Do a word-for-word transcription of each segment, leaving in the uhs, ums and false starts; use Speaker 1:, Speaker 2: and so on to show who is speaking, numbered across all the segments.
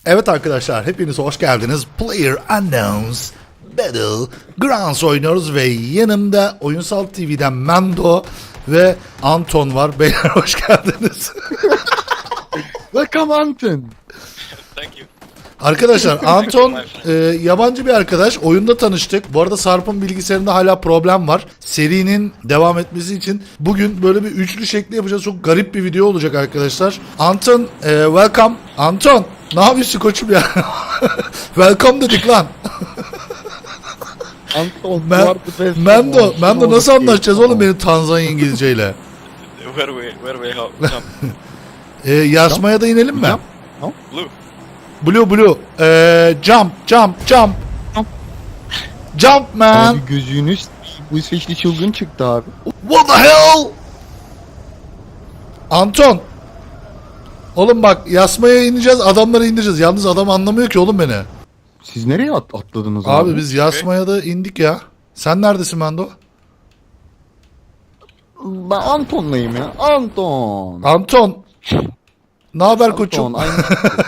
Speaker 1: Evet arkadaşlar, hepiniz hoş geldiniz. Player Unknowns Battlegrounds oynuyoruz ve yanımda Oyunsal T V'den Mendo ve Anton var. Beyler hoş geldiniz.
Speaker 2: Welcome Anton.
Speaker 3: Thank you.
Speaker 1: Arkadaşlar Anton e, yabancı bir arkadaş. Oyunda tanıştık. Bu arada Sarp'ın bilgisayarında hala problem var. Serinin devam etmesi için bugün böyle bir üçlü şekli yapacağız. Çok garip bir video olacak arkadaşlar. Anton, e, welcome. Anton, ne yapıyorsun koçum ya? Welcome dedik lan.
Speaker 2: Anton.
Speaker 1: Men,
Speaker 2: you are the best.
Speaker 1: Mendo,
Speaker 2: Come
Speaker 1: Mendo
Speaker 2: on,
Speaker 1: nasıl
Speaker 2: come on.
Speaker 1: anlaşacağız oğlum benim Tanzanya İngilizceyle?
Speaker 3: Where we where we how jump?
Speaker 1: E, Yasmaya da inelim mi?
Speaker 2: Jump. No?
Speaker 3: Blue.
Speaker 1: Blue blue. E, jump, jump, jump.
Speaker 2: Jump.
Speaker 1: Jump man.
Speaker 2: Abi gözünüz bu İsveçli çılgın çıktı abi.
Speaker 1: What the hell? Anton. Oğlum bak Yasmaya ineceğiz, adamları indireceğiz. Yalnız adam anlamıyor ki oğlum beni.
Speaker 2: Siz nereye at atladınız abi?
Speaker 1: Abi biz Yasmaya da indik ya. Sen neredesin Mendo?
Speaker 2: Ben Anton'layım ya. Anton.
Speaker 1: Anton. Ne haber koçum?
Speaker 2: Anton. Aynı.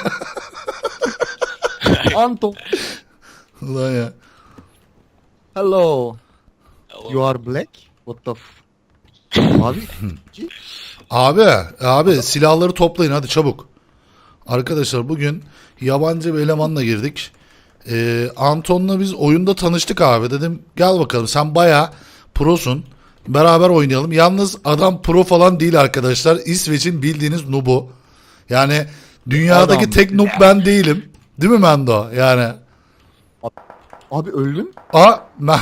Speaker 2: Anton.
Speaker 1: Ulan ya.
Speaker 2: Hello.
Speaker 3: Hello.
Speaker 2: You are black? What the f... Abi.
Speaker 1: Abi, abi silahları toplayın hadi çabuk. Arkadaşlar bugün yabancı bir elemanla girdik. Ee, Anton'la biz oyunda tanıştık abi. Dedim gel bakalım sen bayağı prosun. Beraber oynayalım. Yalnız adam pro falan değil arkadaşlar. İsveç'in bildiğiniz noob'u. Yani dünyadaki
Speaker 2: Adam.
Speaker 1: tek noob ben değilim. Değil mi Mendo? Yani.
Speaker 2: Abi öldün.
Speaker 1: Aa, ben...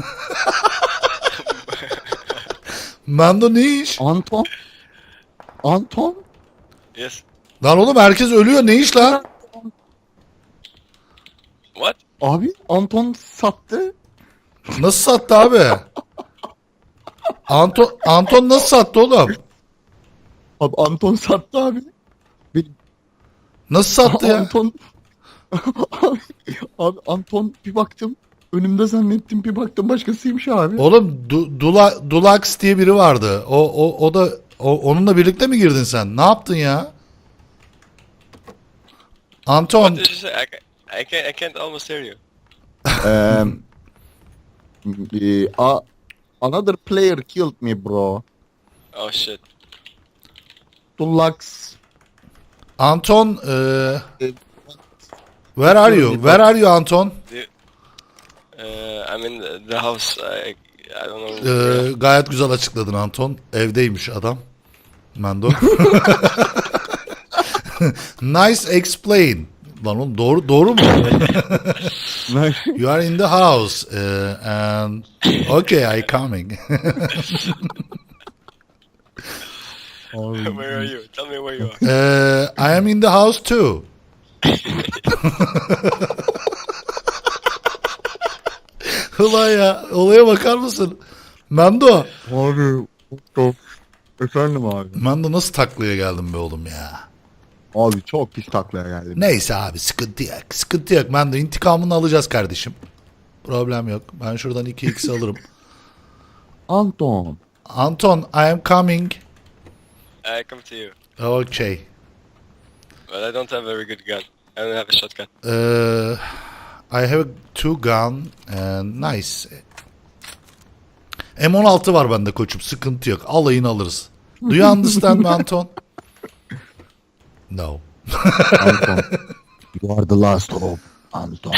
Speaker 1: Mendo ne iş?
Speaker 2: Anton. Anton.
Speaker 3: Yes.
Speaker 1: Lan oğlum herkes ölüyor. Ne iş lan?
Speaker 3: What?
Speaker 2: Abi Anton sattı.
Speaker 1: Nasıl sattı abi? Anton Anton nasıl sattı oğlum?
Speaker 2: Abi Anton sattı abi. Benim
Speaker 1: Nasıl sattı ya?
Speaker 2: Anton abi, abi Anton bir baktım önümde zannettim bir baktım başkasıymış abi.
Speaker 1: Oğlum Du- Dula Dulax diye biri vardı. O o o da o, onunla birlikte mi girdin sen? Ne yaptın ya? Anton
Speaker 3: What did you say? I, ca- I can't I can't almost hear you.
Speaker 2: um, eh, a- another player killed me bro.
Speaker 3: Oh shit.
Speaker 2: Dulux.
Speaker 1: Anton e, where are you? Where are you Anton?
Speaker 3: Uh, I'm in the, the house. I I don't know.
Speaker 1: E, gayet güzel açıkladın Anton. Evdeymiş adam. Mendo. Nice explain. Lan oğlum doğru doğru mu? You are in the house uh, and okay, I coming.
Speaker 3: Where are you? Tell me where you are.
Speaker 1: Uh, I am in the house too. Ulan ya olaya bakar mısın? Mendo.
Speaker 2: Abi çok efendim abi.
Speaker 1: Mendo nasıl taklaya geldim be oğlum ya.
Speaker 2: Abi çok pis taklaya geldim.
Speaker 1: Neyse abi sıkıntı yok. Sıkıntı yok. Mendo intikamını alacağız kardeşim. Problem yok. Ben şuradan iki x alırım.
Speaker 2: Anton.
Speaker 1: Anton, I am coming.
Speaker 3: I come to you,
Speaker 1: Okay.
Speaker 3: but I don't have a very good gun. I don't have a shotgun.
Speaker 1: Uh, I have two gun and nice. M on altı var bende koçum. Sıkıntı yok. Alayını alırız. Do you understand me Anton? No.
Speaker 2: Anton. You are the last hope. Anton.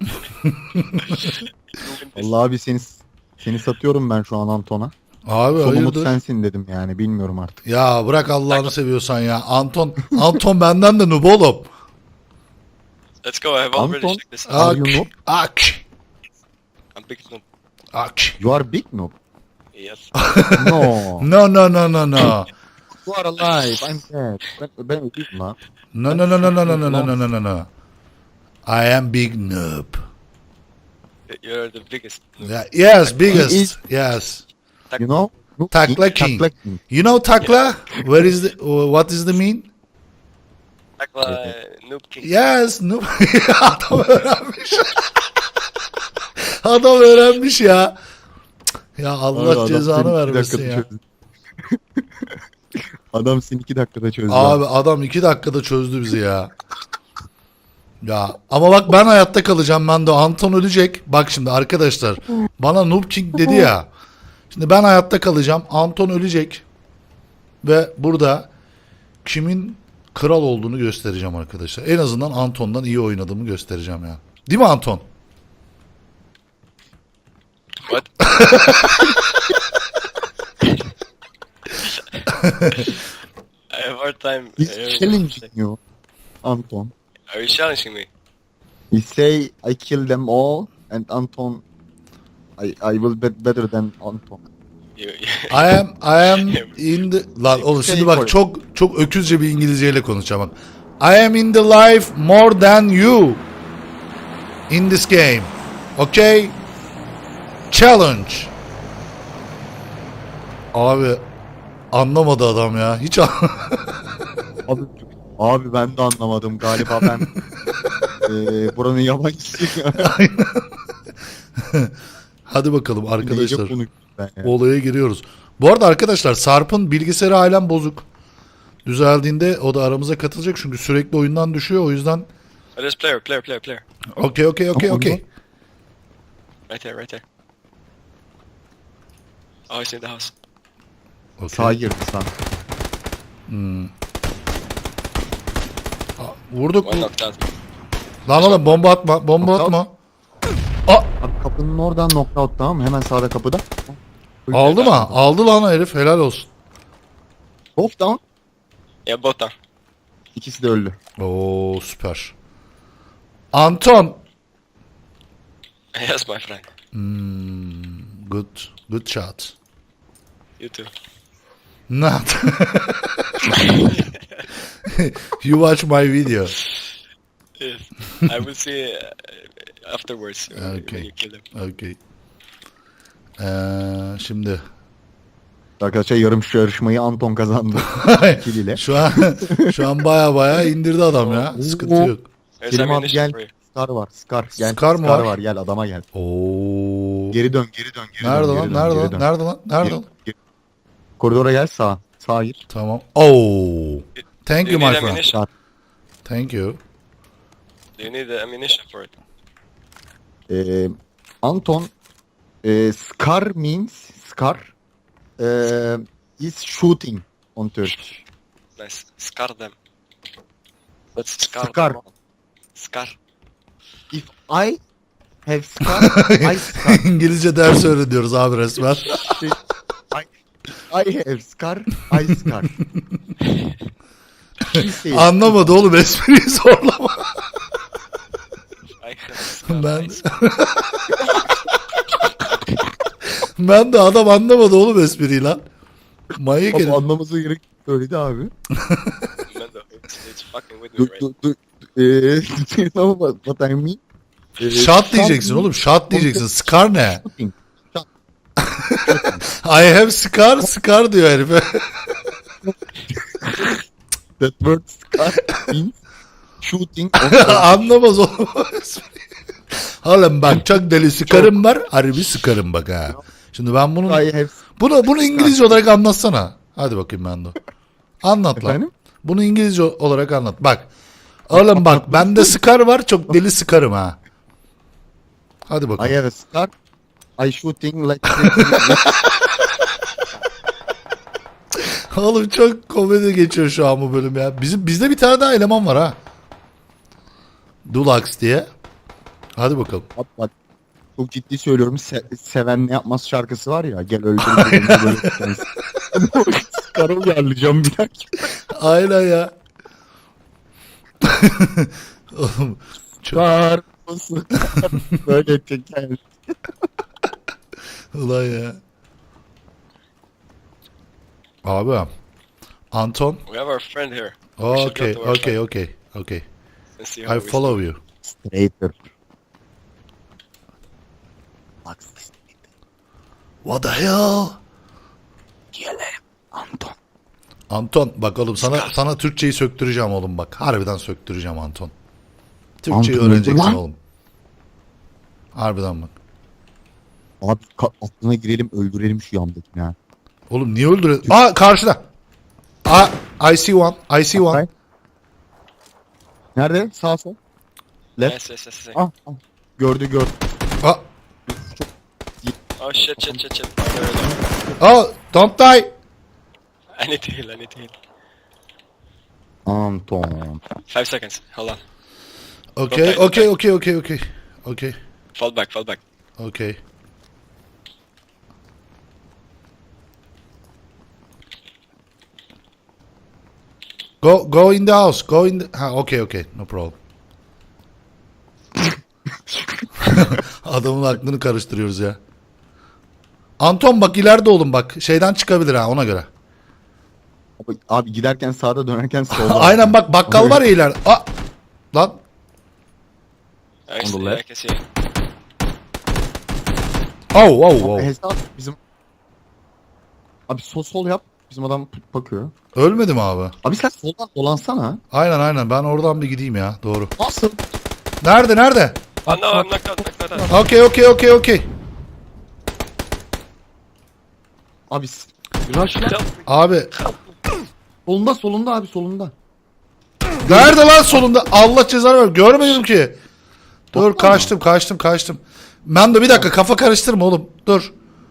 Speaker 2: Allah abi seni seni satıyorum ben şu an Anton'a.
Speaker 1: Abi
Speaker 2: Son umut
Speaker 1: hayırdır?
Speaker 2: sensin dedim yani bilmiyorum artık.
Speaker 1: Ya bırak Allah'ını seviyorsan ya. Anton Anton benden de noob oğlum.
Speaker 3: Let's go. I have already
Speaker 2: Anton.
Speaker 3: checked this.
Speaker 2: Are
Speaker 1: Ak.
Speaker 2: you noob?
Speaker 1: Ak.
Speaker 3: I'm big noob.
Speaker 1: Ak.
Speaker 2: You are big noob.
Speaker 3: Yes.
Speaker 2: No.
Speaker 1: No no no no no.
Speaker 2: You are alive. I'm dead. Ben, ben öldüm lan.
Speaker 1: No no no no no no no no no no no. I am big noob.
Speaker 3: You're the biggest. noob.
Speaker 1: Yeah, yes, biggest.
Speaker 2: is-
Speaker 1: Yes.
Speaker 2: You know? Noob
Speaker 1: Takla
Speaker 2: King,
Speaker 1: King.
Speaker 2: Takla King.
Speaker 1: You know takla? Where is the what is the mean?
Speaker 3: Like uh, noob king.
Speaker 1: Yes, noob. Adam öğrenmiş. Adam öğrenmiş ya. Ya Allah
Speaker 2: Abi adam
Speaker 1: cezanı
Speaker 2: seni iki
Speaker 1: vermesin
Speaker 2: dakikada
Speaker 1: ya.
Speaker 2: çözdü. Adam seni iki dakikada çözdü.
Speaker 1: Abi adam iki dakikada çözdü bizi ya. Ya ama bak ben hayatta kalacağım ben de. Anton ölecek. Bak şimdi arkadaşlar. Bana Noob King dedi ya. Şimdi ben hayatta kalacağım. Anton ölecek. Ve burada kimin kral olduğunu göstereceğim arkadaşlar. En azından Anton'dan iyi oynadığımı göstereceğim ya. Değil mi Anton?
Speaker 3: What? I have a hard time.
Speaker 2: He's
Speaker 3: hearing
Speaker 2: challenging
Speaker 3: what
Speaker 2: you, Anton.
Speaker 3: Are you challenging me?
Speaker 2: He say I kill them all and Anton I I will be better than Anton.
Speaker 3: You,
Speaker 1: I am I am in the lan oğlum şimdi bak çok çok öküzce bir İngilizceyle konuşacağım bak. I am in the life more than you in this game. Okay? Challenge. Abi anlamadı adam ya. Hiç an-
Speaker 2: Abi, abi ben de anlamadım galiba ben eee buranın yabancısıyım.
Speaker 1: Hadi bakalım arkadaşlar.
Speaker 2: Neyce konuştum ben ya.
Speaker 1: Olaya giriyoruz. Bu arada arkadaşlar Sarp'ın bilgisayarı halen bozuk. Düzeldiğinde o da aramıza katılacak çünkü sürekli oyundan düşüyor o yüzden.
Speaker 3: oh, there's player, player, player, player.
Speaker 1: Okey okey okey okey.
Speaker 3: Right there, right there. Oh, he's in the house.
Speaker 2: Sağa girdi sağ.
Speaker 1: Vurduk.
Speaker 3: One knocked out.
Speaker 1: Lan oğlum bomba atma. Bomba
Speaker 2: Knockout.
Speaker 1: atma.
Speaker 2: Abi kapının oradan knockout tamam mı? Hemen sağda kapıda.
Speaker 1: Aldı mı? Aldı lan herif. Helal olsun.
Speaker 2: Both down.
Speaker 3: Yeah, both down.
Speaker 2: İkisi de öldü.
Speaker 1: Oo süper. Anton.
Speaker 3: Yes, my friend.
Speaker 1: Good. Good shot.
Speaker 3: You too.
Speaker 1: Not. You watch my video.
Speaker 3: Yes. I will see uh, afterwards when, when
Speaker 1: Okay.
Speaker 3: you kill him.
Speaker 1: Okay. Ee, şimdi.
Speaker 2: Arkadaşlar yarım şu yarışmayı Anton kazandı. Kill ile.
Speaker 1: şu an şu an baya baya indirdi adam ya. Sıkıntı yok.
Speaker 3: There's
Speaker 2: Kerim abi
Speaker 3: ammunition
Speaker 2: gel.
Speaker 3: for you.
Speaker 2: Scar var. Scar. Gel.
Speaker 1: Scar mı var?
Speaker 2: Gel adama gel.
Speaker 1: Oo.
Speaker 2: Geri dön geri dön. Geri
Speaker 1: Nerede
Speaker 2: dön,
Speaker 1: lan?
Speaker 2: geri dön,
Speaker 1: Nerede
Speaker 2: geri
Speaker 1: lan?
Speaker 2: dön.
Speaker 1: Nerede lan? Nerede
Speaker 2: Geri-
Speaker 1: lan?
Speaker 2: geri- Koridora gel sağa. Sağa gir.
Speaker 1: Tamam. Oo. Thank
Speaker 3: Do
Speaker 1: you
Speaker 3: you
Speaker 1: my
Speaker 3: need
Speaker 1: friend.
Speaker 3: ammunition?
Speaker 2: Sağ.
Speaker 1: Thank you.
Speaker 3: Do you need the ammunition for it?
Speaker 2: Ee, Anton e, Scar means Scar e, is shooting on Turkish.
Speaker 3: Nice. Scar them. Let's scar,
Speaker 2: Scar.
Speaker 3: them all. Scar.
Speaker 2: If I have Scar, I Scar.
Speaker 1: İngilizce ders öğreniyoruz abi resmen.
Speaker 2: I, I have Scar, I Scar. She says,
Speaker 1: Anlamadı oğlum espriyi zorlama.
Speaker 3: I have scar.
Speaker 1: Ben
Speaker 3: I scar.
Speaker 1: ben de adam anlamadı oğlum espriyi lan. Manyak
Speaker 2: Ama
Speaker 1: herif.
Speaker 2: anlaması gerek söyledi abi.
Speaker 3: Man, though, it's, it's fucking with me
Speaker 2: Du,
Speaker 3: right
Speaker 2: du, du, eee, do you know what, what I mean? Eee,
Speaker 1: Shot diyeceksin oğlum. Shot diyeceksin. Scar ne?
Speaker 2: Shooting. Shot.
Speaker 1: I have scar. Scar diyor herife.
Speaker 2: That word Scar means shooting on Turkish.
Speaker 1: Anlamaz oğlum o espriyi. Oğlum bak çok deli sıkarım var. Harbi sıkarım bak ha. Şimdi ben bunu
Speaker 2: I have
Speaker 1: bunu bunu İngilizce olarak anlatsana. Hadi bakayım ben de. Anlat lan.
Speaker 2: Efendim?
Speaker 1: Bunu İngilizce olarak anlat. Bak. Oğlum bak bende sıkar var. Çok deli sıkarım ha. Hadi
Speaker 2: I
Speaker 1: bakalım.
Speaker 2: have a Scar. I shooting like
Speaker 1: Oğlum çok komedi geçiyor şu an bu bölüm ya. Bizim bizde bir tane daha eleman var ha. Dulax diye. Hadi bakalım.
Speaker 2: Bak bak. Çok ciddi söylüyorum. Se- seven ne yapmaz şarkısı var ya. Gel öldür. birbirimizi böyle tutmayız. Scar'ı uyarlayacağım bir dakika.
Speaker 1: Aynen ya. Oğlum çok...
Speaker 2: Scar. Scar. Böyle teker.
Speaker 1: Ulan ya. Abi. Anton.
Speaker 3: We have our friend here. We should go
Speaker 1: Okay,
Speaker 3: to our
Speaker 1: okay,
Speaker 3: friend
Speaker 1: okay, okay.
Speaker 3: and see how
Speaker 1: I
Speaker 3: we
Speaker 1: follow you.
Speaker 2: Traitor. Bak.
Speaker 1: What the hell?
Speaker 2: Gelelim. Anton.
Speaker 1: Anton bak oğlum sana sana Türkçeyi söktüreceğim oğlum bak. Harbiden söktüreceğim Anton. Türkçeyi
Speaker 2: Anton
Speaker 1: öğreneceksin
Speaker 2: lan.
Speaker 1: oğlum. Harbiden bak.
Speaker 2: Abi ka- aklına girelim öldürelim şu yandakini ha.
Speaker 1: Oğlum niye öldürüyorsun? Aa karşıda. Aa I see one. I see one.
Speaker 2: Nerede? Sağ sol. Left.
Speaker 3: Yes, yes, yes, yes.
Speaker 2: Ah, ah. Gördü gördü.
Speaker 1: Ah,
Speaker 3: Oh shit, shit, shit, shit. Oh, there, there.
Speaker 1: oh, don't die.
Speaker 3: I need to heal, I need to heal.
Speaker 2: Anton.
Speaker 3: Five seconds, hold on.
Speaker 1: Okay,
Speaker 3: Okay,
Speaker 1: okay,
Speaker 3: okay.
Speaker 1: okay, okay, okay. Okay,
Speaker 3: Fall back, fall back.
Speaker 1: okay. Go, go in the house. Go in the... Ha, okay, okay. No problem. Adamın aklını karıştırıyoruz ya. Anton bak ileride oğlum bak. Şeyden çıkabilir ha ona göre.
Speaker 2: Abi, abi giderken sağda dönerken solda.
Speaker 1: Aynen bak bakkal var ya ileride. Aa! Lan.
Speaker 3: I see,
Speaker 2: left.
Speaker 3: I can see.
Speaker 1: Oh, oh, oh.
Speaker 2: Hesap bizim... Abi sol sol yap. Bizim adam bakıyor.
Speaker 1: Ölmedi mi abi?
Speaker 2: Abi sen soldan dolansana.
Speaker 1: Aynen aynen ben oradan bir gideyim ya. Doğru.
Speaker 2: Nasıl?
Speaker 1: Nerede nerede?
Speaker 3: Oh no, I'm knocked out, knocked out.
Speaker 1: Okay, okay, okay, okay.
Speaker 2: Abi s- rush
Speaker 3: Help me.
Speaker 1: Abi
Speaker 2: solunda solunda abi solunda.
Speaker 1: nerede lan solunda? Allah cezanı ver. Görmedim ki. Dur kaçtım kaçtım kaçtım. Ben de bir dakika kafa karıştırma oğlum. Dur.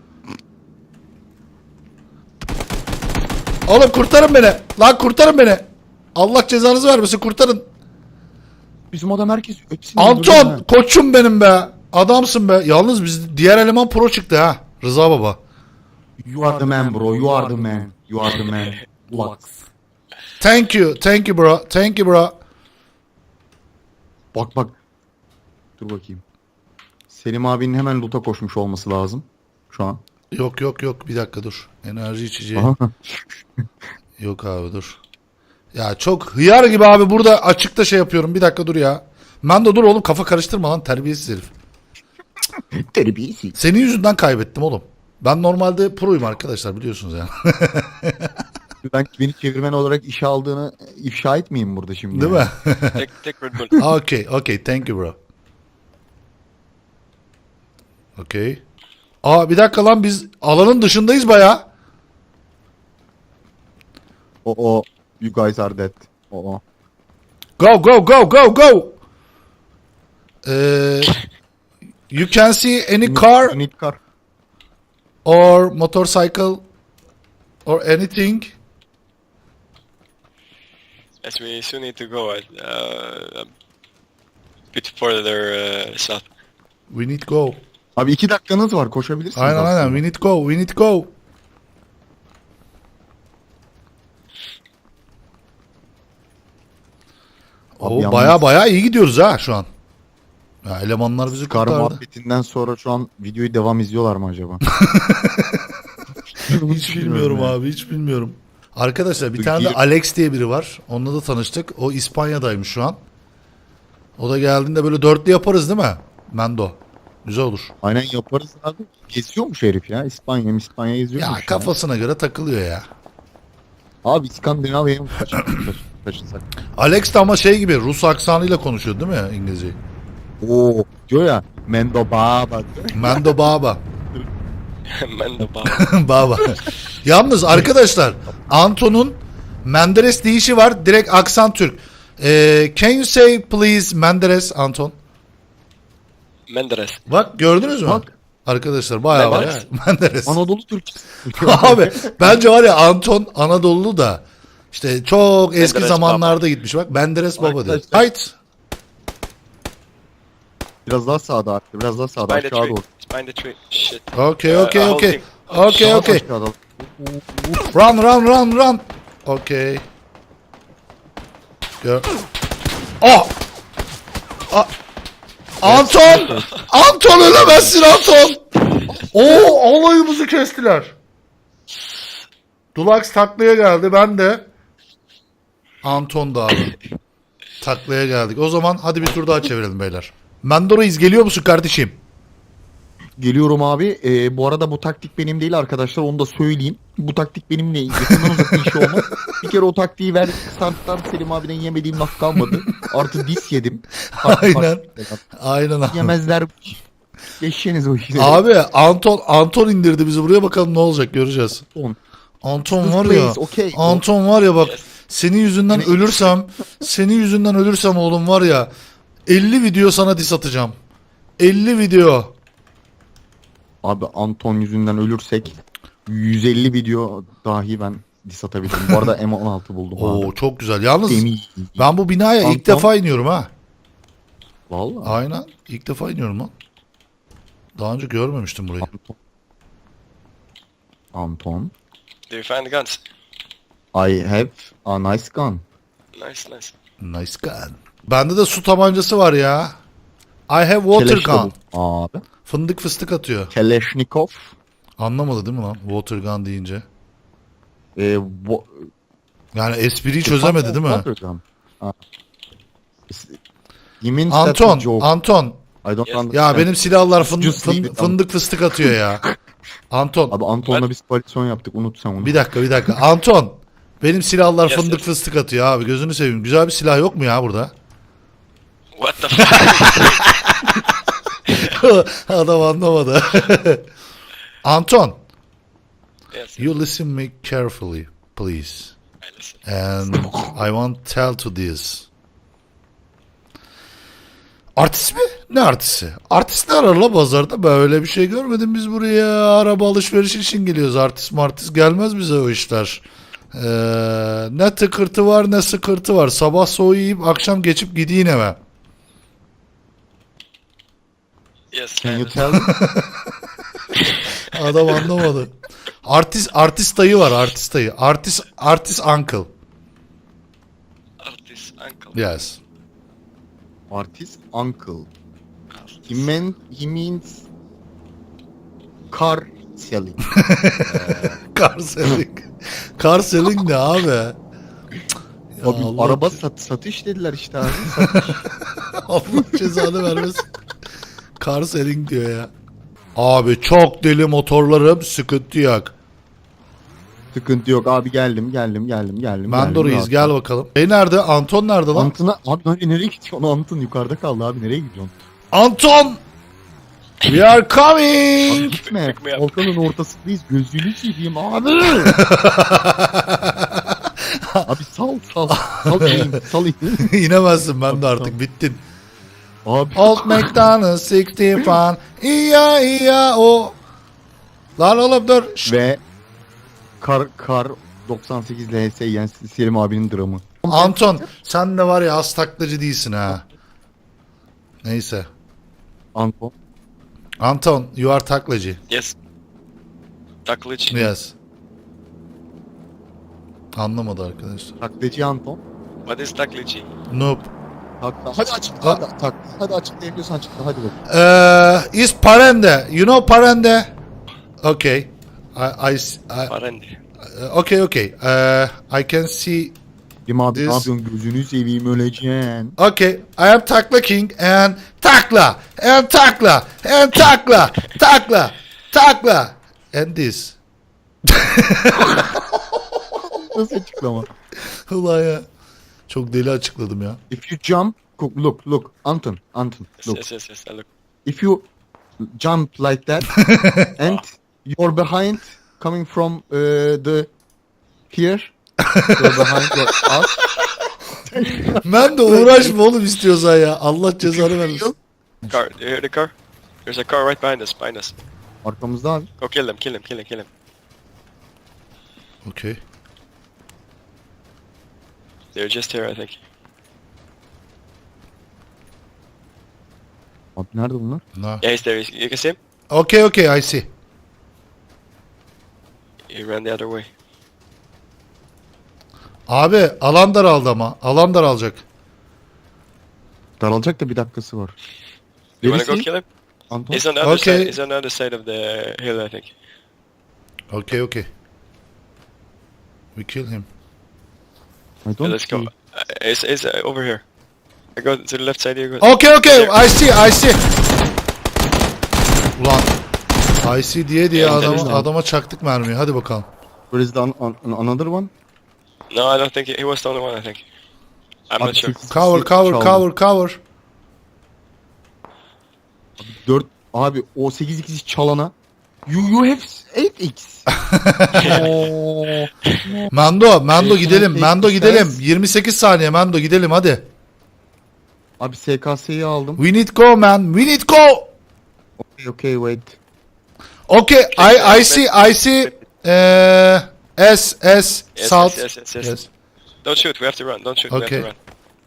Speaker 1: Oğlum kurtarın beni. Lan kurtarın beni. Allah cezanızı vermesin kurtarın.
Speaker 2: Bizim adam herkes hepsini öldürdü
Speaker 1: Anton
Speaker 2: ha.
Speaker 1: koçum benim be. Adamsın be. Yalnız biz diğer eleman pro çıktı ha. Rıza baba.
Speaker 2: You are the man bro. You are the man. You are the man. Lux.
Speaker 1: Thank you. Thank you bro. Thank you bro.
Speaker 2: Bak bak. Dur bakayım. Selim abinin hemen loot'a koşmuş olması lazım. Şu an.
Speaker 1: Yok yok yok bir dakika dur. Enerji içeceği.
Speaker 2: Aha.
Speaker 1: Yok abi dur. Ya çok hıyar gibi abi burada açıkta şey yapıyorum. Bir dakika dur ya. Ben de dur oğlum kafa karıştırma lan terbiyesiz herif.
Speaker 2: Terbiyesiz.
Speaker 1: Senin yüzünden kaybettim oğlum. Ben normalde proyum arkadaşlar biliyorsunuz yani.
Speaker 2: Ben beni çevirmen olarak işe aldığını ifşa etmeyeyim burada şimdi.
Speaker 1: Değil
Speaker 2: yani.
Speaker 1: mi?
Speaker 3: Take, take Red Bull.
Speaker 1: Okay, okay. Thank you bro. Okay. Aa bir dakika lan biz alanın dışındayız baya.
Speaker 2: O o. You guys are dead. O o.
Speaker 1: Go go go go go. Ee, you can see any car
Speaker 2: You need car.
Speaker 1: or motorcycle or anything.
Speaker 3: Yes, we soon need to go. Uh, a bit further uh, south.
Speaker 1: We need go.
Speaker 2: Abi iki dakikanız var koşabilirsiniz
Speaker 1: Aynen
Speaker 2: aslında.
Speaker 1: aynen. We need go. We need go.
Speaker 2: Abi
Speaker 1: Oo,
Speaker 2: yalnız-
Speaker 1: baya baya iyi gidiyoruz ha şu an. Ya elemanlar bizi
Speaker 2: Kar
Speaker 1: kurtardı.
Speaker 2: muhabbetinden sonra şu an videoyu devam izliyorlar mı acaba?
Speaker 1: Hiç bilmiyorum
Speaker 2: ya.
Speaker 1: abi hiç bilmiyorum. Arkadaşlar bir
Speaker 2: Dur,
Speaker 1: tane de
Speaker 2: girip-
Speaker 1: Alex diye biri var. Onunla da tanıştık. O İspanya'daymış şu an. O da geldiğinde böyle dörtlü yaparız değil mi? Mendo. Güzel olur.
Speaker 2: Aynen yaparız abi. Geziyormuş herif ya. İspanya İspanya geziyormuş.
Speaker 1: Ya kafasına göre takılıyor ya.
Speaker 2: Abi İskandinavya'ya mı kaç- kaç- kaçınsak?
Speaker 1: Alex de ama şey gibi Rus aksanıyla konuşuyor değil mi İngilizceyi?
Speaker 2: Oo diyor ya. Mendo baba diyor.
Speaker 1: Mendo Baba.
Speaker 3: Man the bomb.
Speaker 1: Baba. Yalnız arkadaşlar Anton'un Menderes deyişi var. Direkt aksan Türk. Ee, can you say please Menderes Anton?
Speaker 3: Menderes.
Speaker 1: Bak gördünüz mü?
Speaker 2: Bak.
Speaker 1: Arkadaşlar bayağı var ya.
Speaker 3: Menderes.
Speaker 1: Menderes.
Speaker 2: Anadolu Türkçesi.
Speaker 1: Abi bence var ya Anton Anadolu da işte çok eski
Speaker 3: Menderes
Speaker 1: zamanlarda gitmiş bak. Menderes Baba diyor.
Speaker 2: Arkadaşlar-
Speaker 1: Hayt.
Speaker 2: Biraz daha sağda arttı. Biraz daha sağda
Speaker 3: Behind the
Speaker 2: aşağı
Speaker 3: tree.
Speaker 2: doğru.
Speaker 3: It's behind the tree. Shit.
Speaker 1: Okay
Speaker 3: Uh,
Speaker 1: okay
Speaker 3: uh,
Speaker 1: okay.
Speaker 3: holding.
Speaker 1: Okay
Speaker 2: Daha
Speaker 1: okay.
Speaker 2: aşağıda.
Speaker 1: Run run run run. Okay. Gör. Oh! A- Anton! Anton ölemezsin Anton! Oo alayımızı kestiler. Dulax taklaya geldi ben de. Anton da abi. Taklaya geldik. O zaman hadi bir tur daha çevirelim beyler. Mendoro'yuz geliyor musun kardeşim?
Speaker 2: Geliyorum abi. Ee, bu arada bu taktik benim değil arkadaşlar. Onu da söyleyeyim. Bu taktik benimle yakından uzak bir iş olmaz. Bir kere o taktiği ver. Starttan Selim abiden yemediğim laf kalmadı. Artı dis yedim. Farklı
Speaker 1: Aynen.
Speaker 2: farklı.
Speaker 1: Aynen abi.
Speaker 2: Yemezler. Geçeceğiniz o işleri.
Speaker 1: Abi Anton Anton indirdi bizi buraya bakalım ne olacak göreceğiz.
Speaker 2: Anton.
Speaker 1: Anton var ya.
Speaker 2: Please, okay.
Speaker 1: Anton var ya bak.
Speaker 3: Yes.
Speaker 1: Senin yüzünden
Speaker 2: Yine-
Speaker 1: ölürsem, senin yüzünden ölürsem oğlum var ya. elli video sana diss atacağım. elli video.
Speaker 2: Abi Anton yüzünden ölürsek yüz elli video dahi ben diss atabilirim. Bu arada M on altı buldum
Speaker 1: Oo
Speaker 2: abi.
Speaker 1: çok güzel. Yalnız
Speaker 2: Demi.
Speaker 1: ben bu binaya ilk
Speaker 2: Anton.
Speaker 1: defa iniyorum ha.
Speaker 2: Vallahi.
Speaker 1: Aynen. İlk defa iniyorum lan. Daha önce görmemiştim burayı.
Speaker 2: Anton. Anton.
Speaker 3: Do you find the guns?
Speaker 2: I have a nice gun.
Speaker 3: Nice, nice.
Speaker 1: Nice gun. Bende de su tabancası var ya. I have water
Speaker 2: Keleşnikov.
Speaker 1: gun.
Speaker 2: Abi.
Speaker 1: Fındık fıstık atıyor.
Speaker 2: Kalashnikov.
Speaker 1: Anlamadı değil mi lan? Water gun deyince.
Speaker 2: Ee, wo-
Speaker 1: Yani espriyi çözemedi değil mi?
Speaker 2: Water gun. Ha. You mean that's
Speaker 1: Anton,
Speaker 2: a joke.
Speaker 1: Anton.
Speaker 2: I don't
Speaker 3: Yes.
Speaker 2: understand.
Speaker 1: Ya benim silahlar fındık,
Speaker 2: Just leave
Speaker 1: fın-
Speaker 2: it,
Speaker 1: fındık fıstık atıyor ya. Anton.
Speaker 2: Abi Anton'la biz koalisyon yaptık, unut sen onu.
Speaker 1: Bir dakika bir dakika. Anton. Benim silahlar
Speaker 3: Yes,
Speaker 1: fındık
Speaker 3: yes.
Speaker 1: fıstık atıyor abi. Gözünü seveyim. Güzel bir silah yok mu ya burada?
Speaker 3: What the fuck?
Speaker 1: Adam anlamadı. Anton.
Speaker 3: Yes,
Speaker 1: You listen me carefully, please.
Speaker 3: I listen.
Speaker 1: And I want tell to this. Artist mi? Ne artisti? Artist ne arar la pazarda? Böyle bir şey görmedim biz buraya. Araba alışveriş için geliyoruz. Artist martist gelmez bize o işler. Ee, ne tıkırtı var ne sıkırtı var. Sabah soğuğu yiyip akşam geçip gideyim eve.
Speaker 3: Yes, I
Speaker 2: Can you
Speaker 3: understand.
Speaker 2: tell me?
Speaker 1: Adam anlamadı. Artist artist dayı var artist dayı. Artist artist uncle.
Speaker 3: Artist uncle.
Speaker 1: Yes.
Speaker 2: Artist uncle. He, meant, he means car selling.
Speaker 1: Car selling. Car selling ne abi? Ya
Speaker 2: Abi
Speaker 1: Allah-
Speaker 2: araba sat, satış dediler işte abi.
Speaker 1: Allah cezanı vermesin. Car selling diyor ya. Abi çok deli motorlarım sıkıntı yok.
Speaker 2: Sıkıntı yok abi, geldim geldim geldim geldim.
Speaker 1: Mando
Speaker 2: geldim,
Speaker 1: Reis gel bakalım. E nerede? Anton nerede lan?
Speaker 2: Antın'a abi nereye, nereye gidiyorsun? Antın yukarıda kaldı abi, nereye gidiyorsun?
Speaker 1: Anton! We are
Speaker 2: Abi
Speaker 1: coming!
Speaker 2: gitme.
Speaker 3: Pick me up.
Speaker 2: Volkan'ın ortasındayız. Gözünü seveyim abi. Abi sal sal. Sal ineyim. Sal ineyim.
Speaker 1: İnemezsin ben de artık bittin.
Speaker 2: Abi.
Speaker 1: Old McDonald's altmış fan. İya iya o. Lan oğlum dur. Şşt.
Speaker 2: Ve kar kar doksan sekiz L S yani Selim abinin dramı.
Speaker 1: Anton sen de var ya az taklacı değilsin ha. Neyse.
Speaker 2: Anton.
Speaker 1: Anton you are taklacı.
Speaker 3: Yes. Taklitch.
Speaker 1: Yes. Anlamadı arkadaşlar.
Speaker 2: Taklacı Anton.
Speaker 3: What is Taklitch?
Speaker 1: Noob.
Speaker 2: Takla. Hadi açıkla. Hadi, tak, hadi açıklayabiliyorsan açıkla. Hadi bak.
Speaker 1: Uh, is Parende. You know Parende? Okay. I, I, I
Speaker 3: Parendi.
Speaker 1: uh, okay, okay. Uh, I can see.
Speaker 2: Selim abi
Speaker 1: This-
Speaker 2: ne yapıyorsun? Gözünü seveyim, öleceksin.
Speaker 1: Okay, I am Takla King and Takla and Takla and Takla Takla Takla and this.
Speaker 2: Nasıl açıklama?
Speaker 1: Ulan ya. Çok deli açıkladım ya.
Speaker 2: If you jump, look, look, Anton, Anton,
Speaker 3: Yes,
Speaker 2: look.
Speaker 3: yes, yes, yes. I look.
Speaker 2: If you jump like that and you're behind, coming from uh, the here, you're behind your us.
Speaker 1: Ben de uğraşma oğlum istiyorsan ya. Allah cezanı vermesin.
Speaker 3: Car. Do you hear the car? There's a car right behind us. Behind us.
Speaker 2: Arkamızda abi.
Speaker 3: Go kill them. Kill him. Kill him. Kill him.
Speaker 1: Okay.
Speaker 3: They're just here, I think.
Speaker 2: Abi nerede bunlar?
Speaker 1: No.
Speaker 3: Yeah, he's there. You can see him.
Speaker 1: Okay, okay, I see.
Speaker 3: He ran the other way.
Speaker 1: Abi alan daraldı ama. Alan daralacak.
Speaker 2: Daralacak da bir dakikası var.
Speaker 3: You wanna go
Speaker 2: Neresi?
Speaker 3: kill him?
Speaker 2: Anton?
Speaker 3: He's on the other
Speaker 1: Okay.
Speaker 3: side. He's on the other side of the hill, I think.
Speaker 1: Okay, okay. We kill him.
Speaker 2: I
Speaker 3: Yeah,
Speaker 2: don't
Speaker 3: let's go.
Speaker 2: see.
Speaker 3: Uh, he's he's uh, over here. I go to the left side. You go.
Speaker 1: Okay, okay, I see, I see. Ulan. I see diye diye
Speaker 3: Evet,
Speaker 1: adama,
Speaker 2: evet.
Speaker 1: adama çaktık mermiyi. Hadi bakalım.
Speaker 2: Where is the an- an- another one?
Speaker 3: No, I don't think he, he was the only one. I think. I'm
Speaker 2: Abi
Speaker 3: not sure.
Speaker 2: sekiz
Speaker 1: Cover,
Speaker 2: kişi
Speaker 1: cover,
Speaker 2: çaldı.
Speaker 1: cover, cover.
Speaker 2: dört abi o sekiz x çalana you you have eight x. Oo.
Speaker 1: Mando, Mando
Speaker 2: Ee,
Speaker 1: gidelim.
Speaker 2: sen
Speaker 1: Mando
Speaker 2: tek
Speaker 1: gidelim.
Speaker 2: sen-
Speaker 1: yirmi sekiz saniye Mando gidelim hadi.
Speaker 2: Abi S K S'yi aldım.
Speaker 1: We need go man. We need go.
Speaker 2: Okay, okay, wait.
Speaker 1: Okay, I I see I see uh, S S
Speaker 3: Yes,
Speaker 1: south.
Speaker 3: yes, yes, yes, yes.
Speaker 1: Yes.
Speaker 3: Don't shoot, we have to run. Don't shoot, we
Speaker 1: Okay.
Speaker 3: have to run.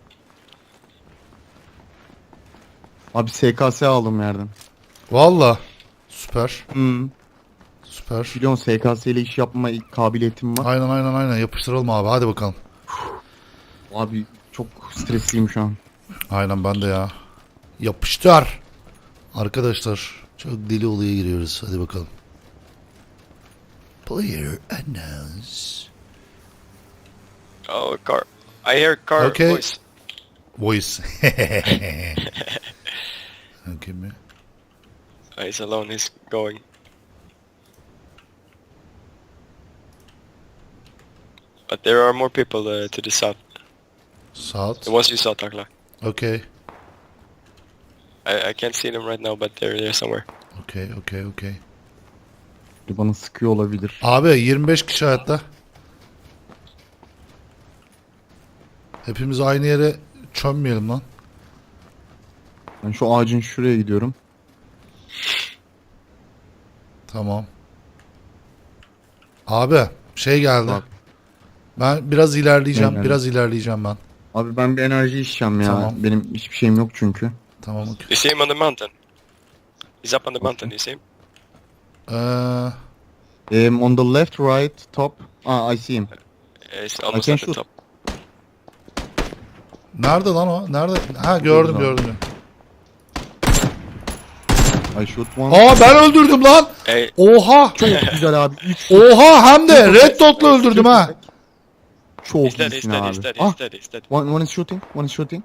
Speaker 2: Abi S K S aldım yerden.
Speaker 1: Valla. Süper.
Speaker 2: Hmm.
Speaker 1: Süper.
Speaker 2: Biliyorsun S K S ile iş yapma kabiliyetim var.
Speaker 1: Aynen aynen aynen yapıştıralım abi. Hadi bakalım.
Speaker 2: Abi çok stresliyim şu an.
Speaker 1: Aynen ben de ya. Yapıştır. Arkadaşlar çok deli olaya giriyoruz. Hadi bakalım. Player announce.
Speaker 3: Oh, car. I hear car
Speaker 1: Okay.
Speaker 3: voice.
Speaker 1: Voice. Okay mi?
Speaker 3: Oh, he's alone, he's going. But there are more people uh, to the south.
Speaker 1: South.
Speaker 3: The ones you saw, Takla.
Speaker 1: Okay.
Speaker 3: I, I can't see them right now, but they're there somewhere.
Speaker 1: Okay, okay, okay.
Speaker 2: Bana sıkıyor olabilir.
Speaker 1: Abi yirmi beş kişi hayatta. Hepimiz aynı yere çömmeyelim lan.
Speaker 2: Ben şu ağacın şuraya gidiyorum.
Speaker 1: Tamam. Abi şey geldi.
Speaker 2: Bak.
Speaker 1: Ben biraz ilerleyeceğim.
Speaker 2: Aynen.
Speaker 1: Biraz ilerleyeceğim ben.
Speaker 2: Abi ben bir enerji içeceğim ya.
Speaker 1: Tamam.
Speaker 2: Benim hiçbir şeyim yok çünkü.
Speaker 1: Tamam okey.
Speaker 3: You see him on the mountain. He's up on the mountain, you see him?
Speaker 1: Ee,
Speaker 2: Um, on the left, right, top. Ah, I see him.
Speaker 3: Yeah, he's almost
Speaker 2: can
Speaker 3: at the
Speaker 2: shoot.
Speaker 3: top.
Speaker 1: nerede lan o? Nerede? Ha gördüm
Speaker 2: Burada.
Speaker 1: gördüm.
Speaker 2: I shoot one.
Speaker 1: Aa ben öldürdüm lan.
Speaker 3: Hey,
Speaker 1: Oha.
Speaker 2: Çok güzel abi. Üç
Speaker 1: Oha hem de red dot'la öldürdüm ha.
Speaker 2: Çok
Speaker 3: he's dead, he's
Speaker 2: iyisin
Speaker 3: dead,
Speaker 2: abi.
Speaker 3: he's dead,
Speaker 2: Ah,
Speaker 3: he's dead, he's dead.
Speaker 2: one, one is shooting, one is shooting.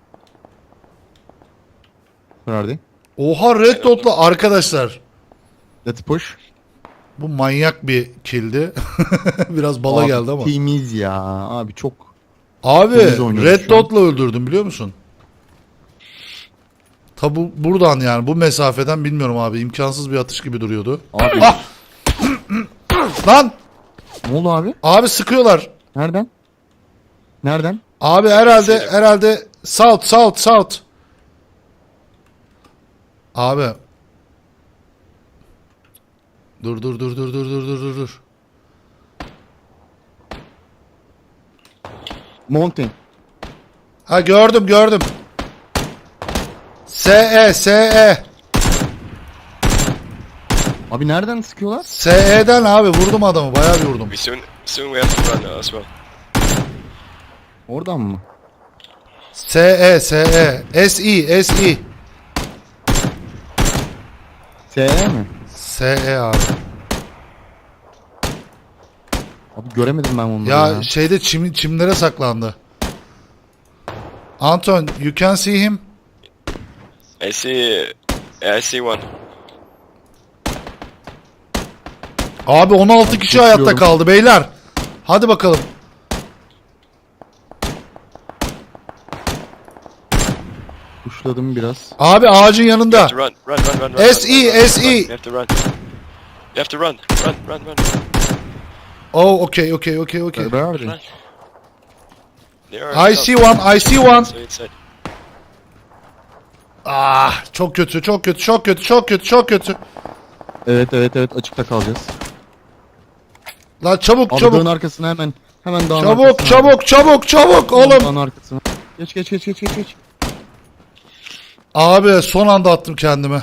Speaker 2: Where are they?
Speaker 1: Oha red dot'la arkadaşlar.
Speaker 2: Let's push.
Speaker 1: Bu manyak bir killdi. Biraz bala
Speaker 2: Abi,
Speaker 1: geldi ama.
Speaker 2: Temiz ya. Abi çok.
Speaker 1: Abi
Speaker 2: temiz oynuyoruz
Speaker 1: red
Speaker 2: şu an.
Speaker 1: dot'la öldürdüm biliyor musun? Tabu buradan yani bu mesafeden bilmiyorum abi imkansız bir atış gibi duruyordu.
Speaker 2: Abi
Speaker 1: Ah! Lan
Speaker 2: ne oldu abi?
Speaker 1: abi sıkıyorlar.
Speaker 2: Nereden? Nereden?
Speaker 1: Abi herhalde herhalde south south south. Abi. Dur dur dur dur dur dur dur dur dur.
Speaker 2: Mountain.
Speaker 1: Ha gördüm gördüm. S E S E.
Speaker 2: Abi nereden sıkıyorlar?
Speaker 1: S E'den abi vurdum adamı bayağı bir vurdum.
Speaker 3: We soon, soon we have to run uh, as well.
Speaker 2: Oradan mı?
Speaker 1: S E S E S E S E
Speaker 2: S E mi?
Speaker 1: S E abi.
Speaker 2: Abi göremedim ben onları
Speaker 1: Ya,
Speaker 2: ya.
Speaker 1: şeyde çim, çimlere saklandı. Anton, you can see him.
Speaker 3: I see, yeah, I see one.
Speaker 1: Abi on altı kişi hayatta
Speaker 2: Bekliyorum.
Speaker 1: kaldı beyler. Hadi bakalım.
Speaker 2: Kuşladım biraz.
Speaker 1: Abi ağacın
Speaker 3: You
Speaker 1: yanında.
Speaker 3: have to run, run, run, run, run.
Speaker 1: S E,
Speaker 3: run, run, run,
Speaker 1: S E.
Speaker 3: run. You have to run. You have to run, run, run, run.
Speaker 1: Oh, okay, okay, okay, okay.
Speaker 2: Where are they?
Speaker 3: Run. They are
Speaker 1: I
Speaker 3: south.
Speaker 1: see one, I see one.
Speaker 3: So inside.
Speaker 1: Ah, çok kötü, çok kötü, çok kötü, çok kötü, çok kötü.
Speaker 2: Evet evet evet açıkta kalacağız.
Speaker 1: Lan çabuk,
Speaker 2: Abi
Speaker 1: çabuk.
Speaker 2: dağın arkasına hemen. Hemen dağın
Speaker 1: Çabuk,
Speaker 2: arkasına.
Speaker 1: çabuk, çabuk, çabuk
Speaker 2: Hemen
Speaker 1: oğlum.
Speaker 2: Dağın arkasına. Geç geç geç geç geç geç.
Speaker 1: Abi son anda attım kendimi.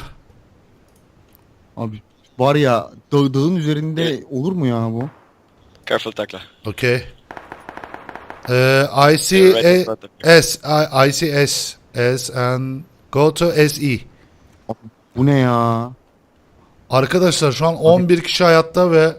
Speaker 2: Abi var ya dağ, dağın üzerinde olur mu ya bu?
Speaker 3: Careful, Takla.
Speaker 1: Okay. Ee, I see
Speaker 3: You're right in
Speaker 1: a,
Speaker 3: front of you.
Speaker 1: S, I, I see S, S and go to S E.
Speaker 2: Abi, bu ne ya?
Speaker 1: Arkadaşlar şu an on bir kişi hayatta ve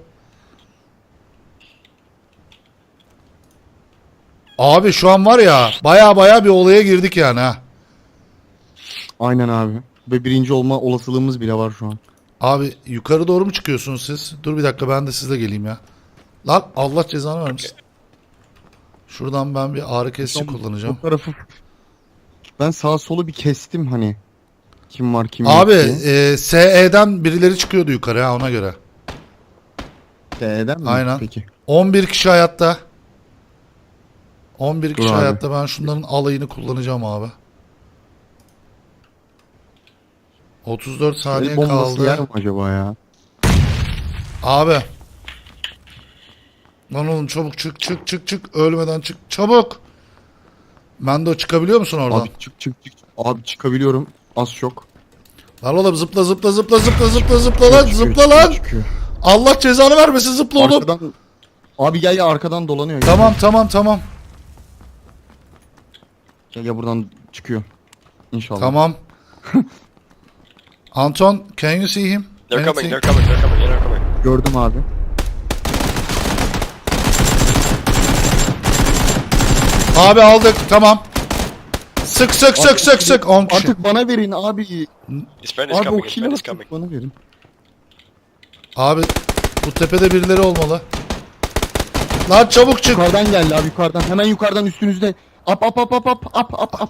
Speaker 1: abi şu an var ya baya baya bir olaya girdik yani ha.
Speaker 2: Aynen abi. Ve birinci olma olasılığımız bile var şu an.
Speaker 1: Abi yukarı doğru mu çıkıyorsunuz siz? Dur bir dakika ben de sizle geleyim ya. Lan Allah cezanı vermesin. Şuradan ben bir ağrı kesici kullanacağım.
Speaker 2: Bu tarafı ben sağ solu bir kestim hani. Kim var kim yok
Speaker 1: Abi
Speaker 2: diye.
Speaker 1: e, S E'den birileri çıkıyordu yukarı ha ona göre.
Speaker 2: T'den mi?
Speaker 1: Aynen.
Speaker 2: Peki.
Speaker 1: on bir kişi hayatta. on bir
Speaker 2: Dur
Speaker 1: kişi
Speaker 2: abi.
Speaker 1: hayatta ben şunların alayını kullanacağım abi. otuz dört saniye
Speaker 2: El bombası yer
Speaker 1: kaldı.
Speaker 2: mi acaba ya?
Speaker 1: Abi. Lan oğlum çabuk çık çık çık çık. Ölmeden çık. Çabuk. Mendo çıkabiliyor musun oradan?
Speaker 2: Abi çık çık çık. Abi çıkabiliyorum. Az çok.
Speaker 1: Lan oğlum zıpla zıpla zıpla zıpla zıpla zıpla lan
Speaker 2: Çıkıyor,
Speaker 1: zıpla
Speaker 2: çıkıyor,
Speaker 1: lan.
Speaker 2: çıkıyor.
Speaker 1: Allah cezanı vermesin zıpla oğlum.
Speaker 2: Arkadan... Abi gel ya arkadan dolanıyor. Gel.
Speaker 1: Tamam tamam tamam.
Speaker 2: Gel ya buradan çıkıyor. İnşallah.
Speaker 1: Tamam. Anton, can you see him?
Speaker 3: They're
Speaker 1: Can you
Speaker 3: coming,
Speaker 1: see-
Speaker 3: they're coming, they're coming, yeah, they're coming.
Speaker 2: Gördüm abi.
Speaker 1: Abi aldık tamam. Sık sık sık sık sık. on kişi.
Speaker 3: şey.
Speaker 2: Artık bana verin abi.
Speaker 3: His friend is
Speaker 2: Abi o
Speaker 3: coming, his
Speaker 2: kilo
Speaker 3: friend is
Speaker 2: artık
Speaker 3: coming.
Speaker 2: bana verin.
Speaker 1: Abi bu tepede birileri olmalı. Lan çabuk çık.
Speaker 2: Yukarıdan geldi abi yukarıdan. Hemen yukarıdan üstünüzde. Up up up up up up up up.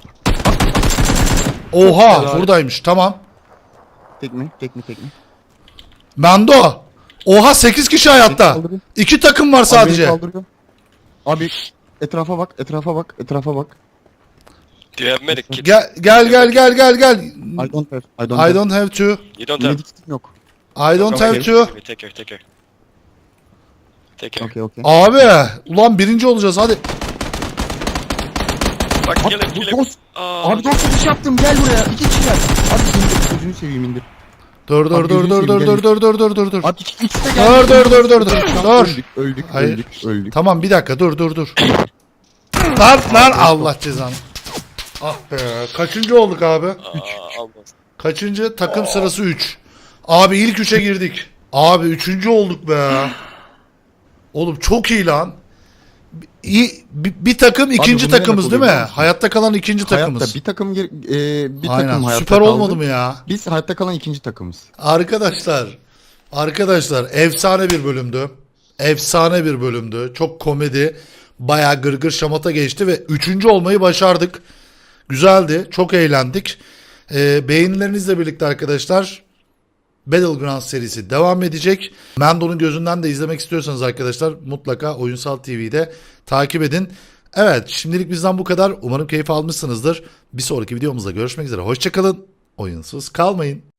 Speaker 1: Oha
Speaker 2: Helal.
Speaker 1: buradaymış tamam.
Speaker 2: Tek mi? Tek mi? Tek mi?
Speaker 1: Mendo. Oha sekiz kişi hayatta.
Speaker 2: Kaldırıyor.
Speaker 1: İki takım var
Speaker 2: Abi beni
Speaker 1: sadece.
Speaker 2: kaldırıyor. Abi etrafa bak, etrafa bak, etrafa bak.
Speaker 3: Do you have medic kit?
Speaker 1: Gel gel gel gel gel gel.
Speaker 2: I don't have. I don't
Speaker 1: I
Speaker 2: have.
Speaker 1: don't have to.
Speaker 3: You don't have.
Speaker 2: Medic kitim yok.
Speaker 1: I don't
Speaker 3: Okay,
Speaker 1: have
Speaker 3: okay,
Speaker 1: to.
Speaker 3: okay, take care, take care. Take care.
Speaker 2: Okey okey.
Speaker 1: Abi ulan birinci olacağız hadi.
Speaker 3: Fuck, kill him,
Speaker 2: Abi
Speaker 3: kill him.
Speaker 2: dost.
Speaker 3: Oh,
Speaker 2: Abi dost bir şey yaptım. Gel buraya. İki kişiler. Abi indir. Gözünü seveyim indir.
Speaker 1: Dur dur
Speaker 2: Abi
Speaker 1: dur
Speaker 2: gözünü
Speaker 1: dur dur
Speaker 2: seveyim,
Speaker 1: dur dur dur dur dur dur.
Speaker 2: Abi iki, ikisi de
Speaker 1: Dur,
Speaker 2: geldi.
Speaker 1: dur, dur, dur, dur,
Speaker 2: Tamam,
Speaker 1: dur.
Speaker 2: Öldük, öldük,
Speaker 1: Hayır.
Speaker 2: öldük, öldük.
Speaker 1: Tamam bir dakika dur dur dur. Lan lan Allah cezanı. Ah be kaçıncı olduk abi?
Speaker 3: uh, almost.
Speaker 1: Kaçıncı? Takım sırası üç. Abi ilk üçe girdik. Abi üçüncü olduk be. Oğlum çok iyi lan. İyi, bir, bir takım ikinci
Speaker 2: bu ne
Speaker 1: takımız
Speaker 2: demek
Speaker 1: değil mi?
Speaker 2: oluyor biliyor musun?
Speaker 1: Hayatta kalan ikinci takımız.
Speaker 2: Hayatta bir takım gir, e, bir
Speaker 1: Aynen
Speaker 2: takım hayatta
Speaker 1: süper
Speaker 2: kaldı.
Speaker 1: olmadı mı ya?
Speaker 2: Biz hayatta kalan ikinci takımız.
Speaker 1: Arkadaşlar, arkadaşlar efsane bir bölümdü. Efsane bir bölümdü. Çok komedi, bayağı gırgır şamata geçti ve üçüncü olmayı başardık. Güzeldi, çok eğlendik. Ee, beğenilerinizle birlikte arkadaşlar Battlegrounds serisi devam edecek. Mendo'nun gözünden de izlemek istiyorsanız arkadaşlar mutlaka Oyunsal T V'de takip edin. Evet, şimdilik bizden bu kadar. Umarım keyif almışsınızdır. Bir sonraki videomuzda görüşmek üzere. Hoşçakalın. Oyunsuz kalmayın.